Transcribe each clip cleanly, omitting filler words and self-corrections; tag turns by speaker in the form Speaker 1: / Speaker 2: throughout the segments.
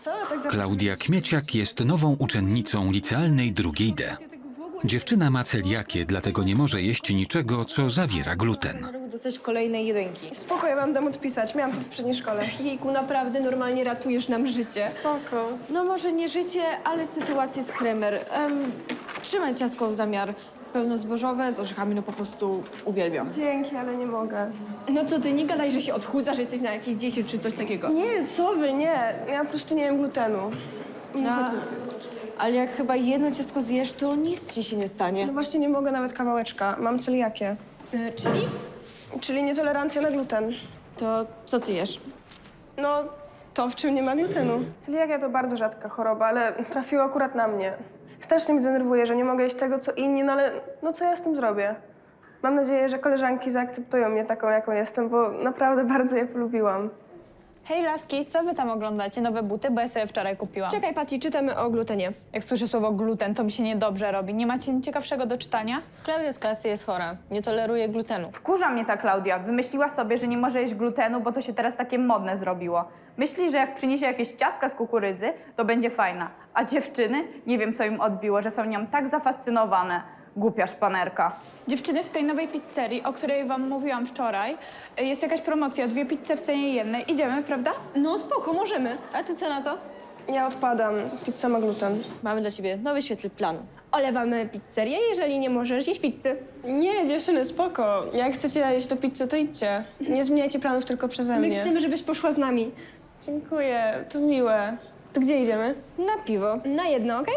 Speaker 1: Klaudia Kmieciak jest nową uczennicą licealnej drugiej D. Dziewczyna ma celiakię, dlatego nie może jeść niczego, co zawiera gluten.
Speaker 2: Dostać kolejnej jedynki.
Speaker 3: Spoko, ja wam dam odpisać. Miałam to w poprzedniej szkole.
Speaker 2: Jejku, naprawdę normalnie ratujesz nam życie.
Speaker 3: Spoko.
Speaker 2: No może nie życie, ale sytuację z kremer. Trzymaj ciastko w zamiar. Pełnozbożowe z orzechami, no po prostu uwielbiam.
Speaker 3: Dzięki, ale nie mogę.
Speaker 2: No co ty, nie gadaj, że się odchudzasz, że jesteś na jakiejś diecie czy coś takiego.
Speaker 3: Nie, co wy, nie. Ja po prostu nie jem glutenu.
Speaker 2: No, ale jak chyba jedno ciastko zjesz, to nic ci się nie stanie.
Speaker 3: No właśnie nie mogę nawet kawałeczka. Mam celiakię.
Speaker 2: Czyli?
Speaker 3: Czyli nietolerancja na gluten.
Speaker 2: To co ty jesz?
Speaker 3: No, to w czym nie ma glutenu. Celiakia to bardzo rzadka choroba, ale trafiła akurat na mnie. Strasznie mnie denerwuje, że nie mogę jeść tego, co inni, no ale no co ja z tym zrobię? Mam nadzieję, że koleżanki zaakceptują mnie taką, jaką jestem, bo naprawdę bardzo je polubiłam.
Speaker 4: Hej laski, co wy tam oglądacie? Nowe buty? Bo ja sobie wczoraj kupiłam.
Speaker 2: Czekaj, Pati, czytamy o glutenie.
Speaker 4: Jak słyszę słowo gluten, to mi się niedobrze robi. Nie macie nic ciekawszego do czytania?
Speaker 5: Klaudia z klasy jest chora. Nie toleruje glutenu.
Speaker 6: Wkurza mnie ta Klaudia. Wymyśliła sobie, że nie może jeść glutenu, bo to się teraz takie modne zrobiło. Myśli, że jak przyniesie jakieś ciastka z kukurydzy, to będzie fajna. A dziewczyny, nie wiem co im odbiło, że są nią tak zafascynowane. Głupia szpanerka.
Speaker 4: Dziewczyny, w tej nowej pizzerii, o której wam mówiłam wczoraj, jest jakaś promocja, 2 pizze w cenie jednej. Idziemy, prawda?
Speaker 2: No spoko, możemy.
Speaker 5: A ty co na to?
Speaker 3: Ja odpadam. Pizza ma gluten.
Speaker 5: Mamy dla ciebie nowy świetly plan.
Speaker 2: Olewamy pizzerię, jeżeli nie możesz jeść pizzy.
Speaker 3: Nie, dziewczyny, spoko. Jak chcecie jeść do pizzy, to idźcie. Nie zmieniajcie planów tylko przeze
Speaker 2: My
Speaker 3: mnie.
Speaker 2: chcemy, żebyś poszła z nami.
Speaker 3: Dziękuję, to miłe. To gdzie idziemy?
Speaker 5: Na piwo.
Speaker 2: Na jedno, okej?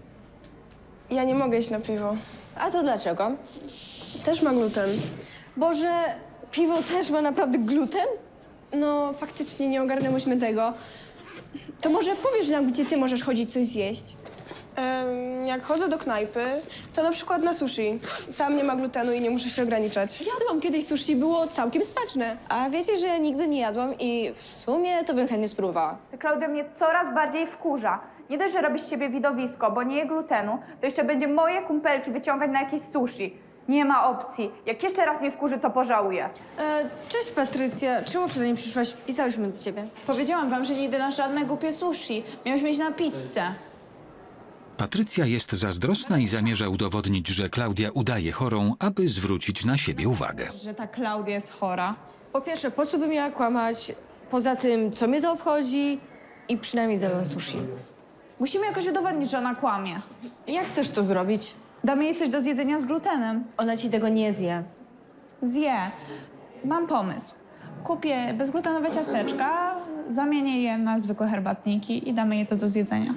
Speaker 3: Ja nie mogę iść na piwo.
Speaker 5: A to dlaczego?
Speaker 3: Też ma gluten.
Speaker 2: Boże, piwo też ma naprawdę gluten? No, faktycznie nie ogarnęłyśmy tego. To może powiesz nam, gdzie ty możesz chodzić coś zjeść?
Speaker 3: Jak chodzę do knajpy, to na przykład na sushi. Tam nie ma glutenu i nie muszę się ograniczać.
Speaker 2: Jadłam kiedyś sushi, było całkiem smaczne.
Speaker 5: A wiecie, że ja nigdy nie jadłam i w sumie to bym chętnie spróbowała.
Speaker 6: Ta Klaudia mnie coraz bardziej wkurza. Nie dość, że robi z siebie widowisko, bo nie je glutenu, to jeszcze będzie moje kumpelki wyciągać na jakieś sushi. Nie ma opcji. Jak jeszcze raz mnie wkurzy, to pożałuję.
Speaker 5: Cześć Patrycja, czemu wczoraj nie przyszłaś? Pisałyśmy do ciebie.
Speaker 4: Powiedziałam wam, że nie idę na żadne głupie sushi. Miałyśmy iść na pizzę.
Speaker 1: Patrycja jest zazdrosna i zamierza udowodnić, że Klaudia udaje chorą, aby zwrócić na siebie uwagę.
Speaker 4: Że ta Klaudia jest chora.
Speaker 5: Po pierwsze, po co bym miała kłamać? Poza tym, co mnie to obchodzi? I przynajmniej zjadłam sushi.
Speaker 4: Musimy jakoś udowodnić, że ona kłamie.
Speaker 5: Jak chcesz to zrobić?
Speaker 4: Damy jej coś do zjedzenia z glutenem.
Speaker 5: Ona ci tego nie zje.
Speaker 4: Zje. Mam pomysł. Kupię bezglutenowe ciasteczka, zamienię je na zwykłe herbatniki i damy jej to do zjedzenia.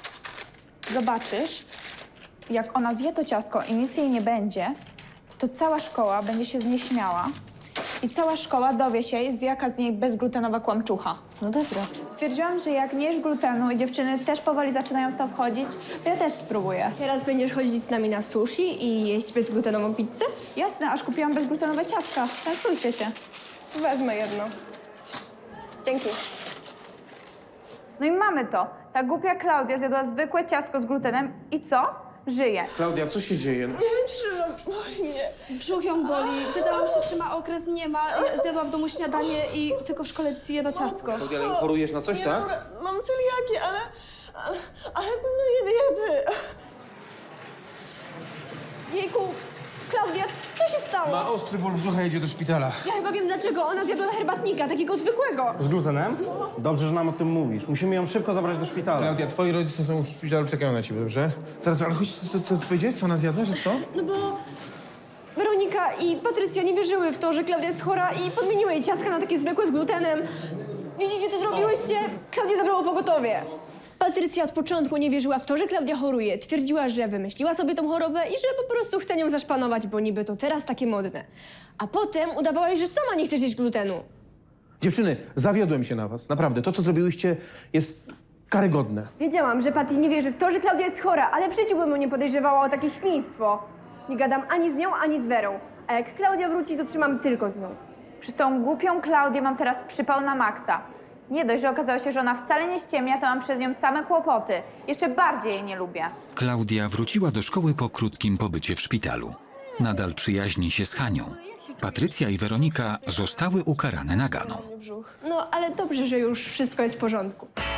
Speaker 4: Zobaczysz, jak ona zje to ciastko i nic jej nie będzie, to cała szkoła będzie się z niej śmiała i cała szkoła dowie się, jaka z niej bezglutenowa kłamczucha.
Speaker 5: No dobra.
Speaker 4: Stwierdziłam, że jak nie jesz glutenu i dziewczyny też powoli zaczynają w to wchodzić, to ja też spróbuję.
Speaker 2: Teraz będziesz chodzić z nami na sushi i jeść bezglutenową pizzę?
Speaker 4: Jasne, aż kupiłam bezglutenowe ciastka. Częstujcie się.
Speaker 3: Wezmę jedno. Dzięki.
Speaker 6: No i mamy to. Ta głupia Klaudia zjadła zwykłe ciastko z glutenem i co? Żyje.
Speaker 7: Klaudia, co się dzieje?
Speaker 8: Brzuch ją boli. Pytałam się, czy ma okres, nie ma. Zjadła w domu śniadanie i tylko w szkole jedno ciastko.
Speaker 7: Klaudia, ale chorujesz na coś, tak?
Speaker 3: Mam celiakię, ale pewno jedy.
Speaker 2: Jejku, Klaudia, co się stało?
Speaker 7: Ma ostry ból brzucha, jedzie do szpitala.
Speaker 2: Ja chyba wiem dlaczego. Ona zjadła herbatnika, takiego zwykłego.
Speaker 9: Z glutenem? Dobrze, że nam o tym mówisz. Musimy ją szybko zabrać do szpitala.
Speaker 7: Klaudia, twoi rodzice są już w szpitalu, czekają na ciebie, dobrze? Zaraz, ale chodź, co ty powiedziałeś? Co ona zjadła, że co?
Speaker 2: No bo Weronika i Patrycja nie wierzyły w to, że Klaudia jest chora i podmieniły jej ciastka na takie zwykłe z glutenem. Widzicie, co zrobiłyście? Klaudia zabrało pogotowie. Patrycja od początku nie wierzyła w to, że Klaudia choruje. Twierdziła, że wymyśliła sobie tą chorobę i że po prostu chce nią zaszpanować, bo niby to teraz takie modne. A potem udawałaś, że sama nie chcesz jeść glutenu.
Speaker 7: Dziewczyny, zawiodłem się na was. Naprawdę, to, co zrobiłyście, jest karygodne.
Speaker 2: Wiedziałam, że Patty nie wierzy w to, że Klaudia jest chora, ale w życiu bym ją nie podejrzewała o takie świństwo. Nie gadam ani z nią, ani z Werą. A jak Klaudia wróci, to trzymam tylko z nią.
Speaker 6: Przez tą głupią Klaudię mam teraz przypał na maksa. Nie dość, że okazało się, że ona wcale nie ściemnia, to mam przez nią same kłopoty. Jeszcze bardziej jej nie lubię.
Speaker 1: Klaudia wróciła do szkoły po krótkim pobycie w szpitalu. Nadal przyjaźni się z Hanią. Patrycja i Weronika zostały ukarane naganą.
Speaker 2: No, ale dobrze, że już wszystko jest w porządku.